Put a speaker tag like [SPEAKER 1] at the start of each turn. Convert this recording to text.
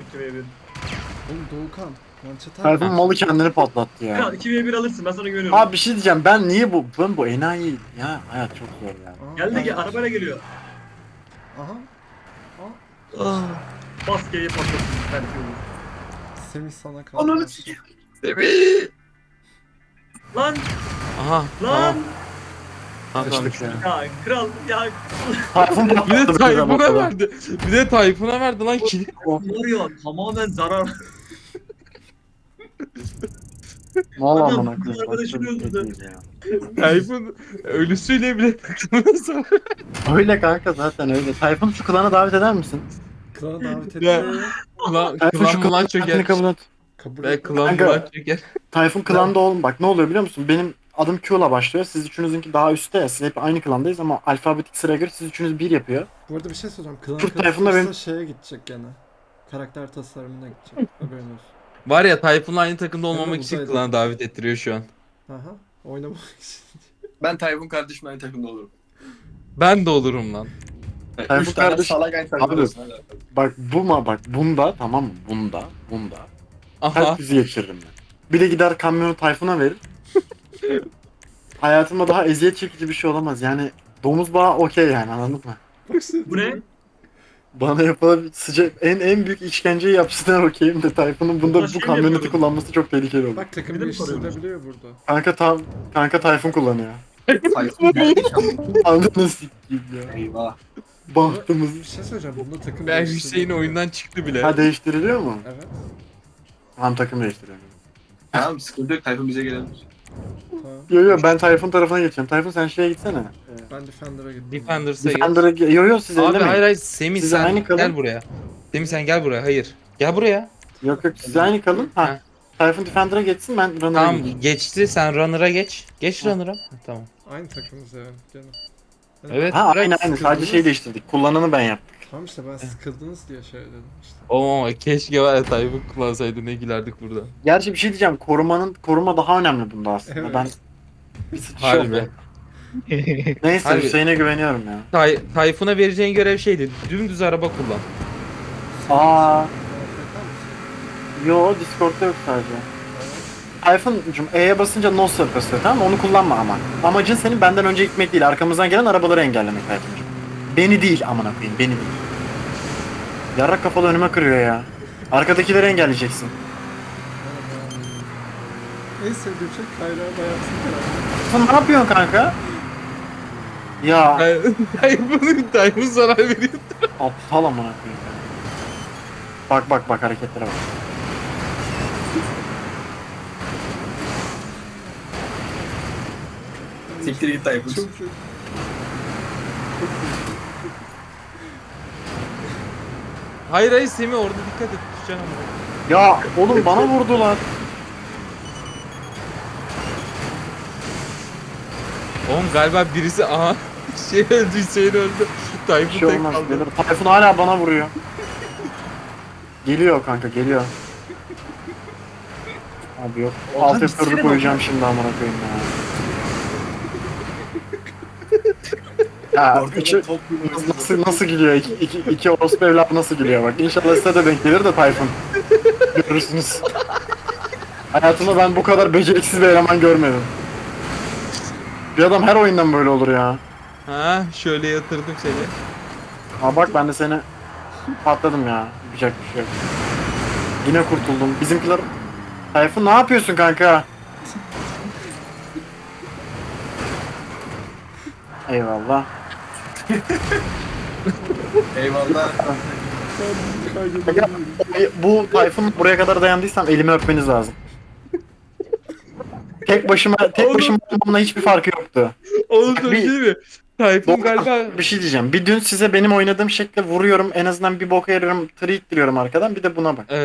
[SPEAKER 1] 2v1.
[SPEAKER 2] Oğlum Doğukan. Mançeter.
[SPEAKER 3] Tayfun malı kendini patlattı ya.
[SPEAKER 1] Kral 2v1 alırsın ben sana güveniyorum.
[SPEAKER 3] Abi bir şey diyeceğim, ben bu enayi ya, hayat çok zor ya.
[SPEAKER 1] Geldi ki arabayla geliyor.
[SPEAKER 2] Aha.
[SPEAKER 1] Bas G'ye patlasın belki olur.
[SPEAKER 2] Semih sana kaldı.
[SPEAKER 3] Ananı sikeyim.
[SPEAKER 1] Lan
[SPEAKER 4] Aha.
[SPEAKER 1] lan.
[SPEAKER 3] Kaçtık ya.
[SPEAKER 1] Ya kral ya.
[SPEAKER 3] Tayfun
[SPEAKER 4] Bir de
[SPEAKER 3] patladı bize
[SPEAKER 4] Tayfun'a
[SPEAKER 3] bakalım.
[SPEAKER 4] verdi. Bir de Tayfun'a verdi lan kili.
[SPEAKER 1] Var ya tamamen zarar.
[SPEAKER 3] Valla
[SPEAKER 1] Adam
[SPEAKER 3] amına
[SPEAKER 1] bizim
[SPEAKER 3] koyayım.
[SPEAKER 1] arkadaşını
[SPEAKER 3] başka bir şey
[SPEAKER 1] öldürdü.
[SPEAKER 3] değil ya.
[SPEAKER 4] Tayfun ölüsüyle bile takılmasa.
[SPEAKER 3] Öyle kanka, zaten öyle. Tayfun şu klana davet eder misin?
[SPEAKER 2] Klana davet
[SPEAKER 4] Ya.
[SPEAKER 2] etti.
[SPEAKER 4] Klan
[SPEAKER 3] Tayfun şu
[SPEAKER 4] mılan
[SPEAKER 3] klanın
[SPEAKER 4] çöker.
[SPEAKER 3] davetini kabul et.
[SPEAKER 2] Kabul
[SPEAKER 4] Ve
[SPEAKER 2] et.
[SPEAKER 4] klan
[SPEAKER 3] Kanka.
[SPEAKER 4] mılan çöker.
[SPEAKER 3] Tayfun klanda oğlum, bak ne oluyor biliyor musun? Benim adım Q'la başlıyor. Siz üçünüzünki daha üstte ya. Siz hep aynı klandayız ama alfabetik sıraya göre siz üçünüz bir yapıyor.
[SPEAKER 2] Bu arada bir şey soracağım. Klan
[SPEAKER 3] Türk Tayfun'da
[SPEAKER 2] karışırsa
[SPEAKER 3] benim-
[SPEAKER 2] şeye gidecek gene. Karakter tasarımına gidecek. Haberin olsun.
[SPEAKER 4] Var ya Tayfun'la aynı takımda olmamak
[SPEAKER 2] Hemen
[SPEAKER 4] için
[SPEAKER 2] uzaydı.
[SPEAKER 4] klana davet ettiriyor şu an.
[SPEAKER 2] Aha. Oynamak için.
[SPEAKER 5] Ben Tayfun kardeşim aynı takımda olurum.
[SPEAKER 4] Ben de olurum lan.
[SPEAKER 3] Tayfun
[SPEAKER 5] 3 tane
[SPEAKER 3] kardeş-
[SPEAKER 5] salak aynı takımda
[SPEAKER 3] Abi.
[SPEAKER 5] olsun.
[SPEAKER 3] Bak bak bunda, tamam mı? Bunda.
[SPEAKER 4] Aha.
[SPEAKER 3] Herkesi geçiririm ben. Bir de gider kamyonu Tayfun'a verir. Hayatımda daha eziyet çekici bir şey olamaz. Yani domuz bağı okey yani, anladın mı?
[SPEAKER 2] Bak sen-
[SPEAKER 1] Bu ne?
[SPEAKER 3] Bana yapılan sıcak en büyük işkenceyi yapsınlar okeyim de Tayfun'un bunda
[SPEAKER 1] Ulan
[SPEAKER 3] bu
[SPEAKER 1] şey mi
[SPEAKER 3] kamyoneti
[SPEAKER 1] yapıyordun?
[SPEAKER 3] kullanması çok tehlikeli olur.
[SPEAKER 2] Bak takım
[SPEAKER 1] Bir de mi soruyorsun?
[SPEAKER 2] değiştirilebiliyor burada.
[SPEAKER 3] Kanka Tayfun kullanıyor.
[SPEAKER 5] Tayfun nerede
[SPEAKER 3] Anladın sikeyim ya.
[SPEAKER 5] Eyvah.
[SPEAKER 3] Bahtımız.
[SPEAKER 2] Bir şey söyleyeceğim. Bunda takım
[SPEAKER 4] Ben
[SPEAKER 2] değiştirilebiliyor.
[SPEAKER 4] Hüseyin oyundan çıktı bile.
[SPEAKER 3] Ha, değiştiriliyor mu?
[SPEAKER 2] Evet.
[SPEAKER 3] Tamam, takım değiştiriyor.
[SPEAKER 5] Tamam sıkıntı yok, Tayfun bize gelebilir.
[SPEAKER 2] Tamam.
[SPEAKER 3] Yo ben Tayfun tarafına geçeceğim. Tayfun sen şeye gitsene.
[SPEAKER 2] Ben Defender'a gittim.
[SPEAKER 4] Defenders'a git.
[SPEAKER 3] Defender'a yo siz
[SPEAKER 4] Abi
[SPEAKER 3] ellemeyin.
[SPEAKER 4] hayır Semih
[SPEAKER 3] Siz
[SPEAKER 4] sen
[SPEAKER 3] aynı kalın.
[SPEAKER 4] gel buraya. Semih sen gel buraya. Hayır. Gel buraya.
[SPEAKER 3] Yok siz aynı kalın. Ha.
[SPEAKER 4] Ha.
[SPEAKER 3] Tayfun Defender'a geçsin, ben Runner'a
[SPEAKER 4] Tamam
[SPEAKER 3] geçeyim.
[SPEAKER 4] geçti sen runner'a geç. Geç runner'a. Ha, tamam.
[SPEAKER 2] Aynı takımız yani. Gene.
[SPEAKER 4] Evet.
[SPEAKER 3] Ha
[SPEAKER 4] bırak.
[SPEAKER 3] aynı sadece şey değiştirdik. Kullananı ben yaptım.
[SPEAKER 2] Tamam işte ben sıkıldınız diye şey dedim işte.
[SPEAKER 4] Oo keşke var ya Tayfun kullansaydı ne gülerdik burada.
[SPEAKER 3] Gerçi bir şey diyeceğim. Koruma daha önemli bunda aslında.
[SPEAKER 2] Evet.
[SPEAKER 3] Ben bir sıçış
[SPEAKER 4] Harbi.
[SPEAKER 3] oldu. Neyse
[SPEAKER 4] Harbi.
[SPEAKER 3] Hüseyin'e güveniyorum ya.
[SPEAKER 4] Tayfun'a vereceğin görev şeydi. Dümdüz araba kullan.
[SPEAKER 3] Aa,
[SPEAKER 2] AFK mısın?
[SPEAKER 3] yo Discord'da yok sadece. Tayfun'cum E'ye basınca no surf basıyor, tamam mı? Onu kullanma ama. Amacın senin benden önce gitmek değil, arkamızdan gelen arabaları engellemek Tayfun'cum. Beni değil amına koyayım, beni değil. Yarrak kafalı önüme kırıyor ya. Arkadakileri engelleyeceksin.
[SPEAKER 2] En sevdiğim şey kayrağı bayansın karakter.
[SPEAKER 3] Sen ne yapıyorsun kanka? Ya
[SPEAKER 4] Tayfun zarar veriyor.
[SPEAKER 3] aptal amına koyayım ya. Bak hareketlere bak.
[SPEAKER 5] Siktir git Tayfun.
[SPEAKER 2] Çok sevdim.
[SPEAKER 4] Hayır Semih orada dikkat et. Düşeceksin ama.
[SPEAKER 3] Ya oğlum bana vurdular.
[SPEAKER 4] Oğlum galiba birisi aha şey öldü Hüseyin öldü.
[SPEAKER 3] Bir
[SPEAKER 4] Tayfun
[SPEAKER 3] şey
[SPEAKER 4] tek
[SPEAKER 3] olmaz.
[SPEAKER 4] kaldı.
[SPEAKER 3] Gelir. Tayfun hala bana vuruyor. Geliyor kanka, geliyor. Abi yok. Alt F4'ü koyacağım şimdi amına koyayım ya. Ya üçü, nasıl gülüyor? İki orospu evlat nasıl gülüyor bak. İnşallah size de denk gelir de Tayfun. Görürsünüz. Hayatımda ben bu kadar beceriksiz bir eleman görmedim. Bir adam her oyundan böyle olur ya.
[SPEAKER 4] Ha şöyle yatırdım seni.
[SPEAKER 3] Aa bak ben de seni patladım ya. Yapacak bir şey yok. Yine kurtuldum. Bizimkiler... Tayfun ne yapıyorsun kanka? Eyvallah.
[SPEAKER 5] Eyvallah.
[SPEAKER 3] Ya, bu Tayfun buraya kadar dayandıysam elimi öpmeniz lazım. Tek başıma olmamla hiçbir farkı yoktu.
[SPEAKER 4] Oğlum
[SPEAKER 3] Bak,
[SPEAKER 4] dur
[SPEAKER 3] bir-
[SPEAKER 4] değil mi? Tayfun galiba
[SPEAKER 3] Bir şey diyeceğim. Bir dün size benim oynadığım şekle vuruyorum. En azından bir boka yarıyorum. Tırı ittiriyorum arkadan. Bir de buna bak.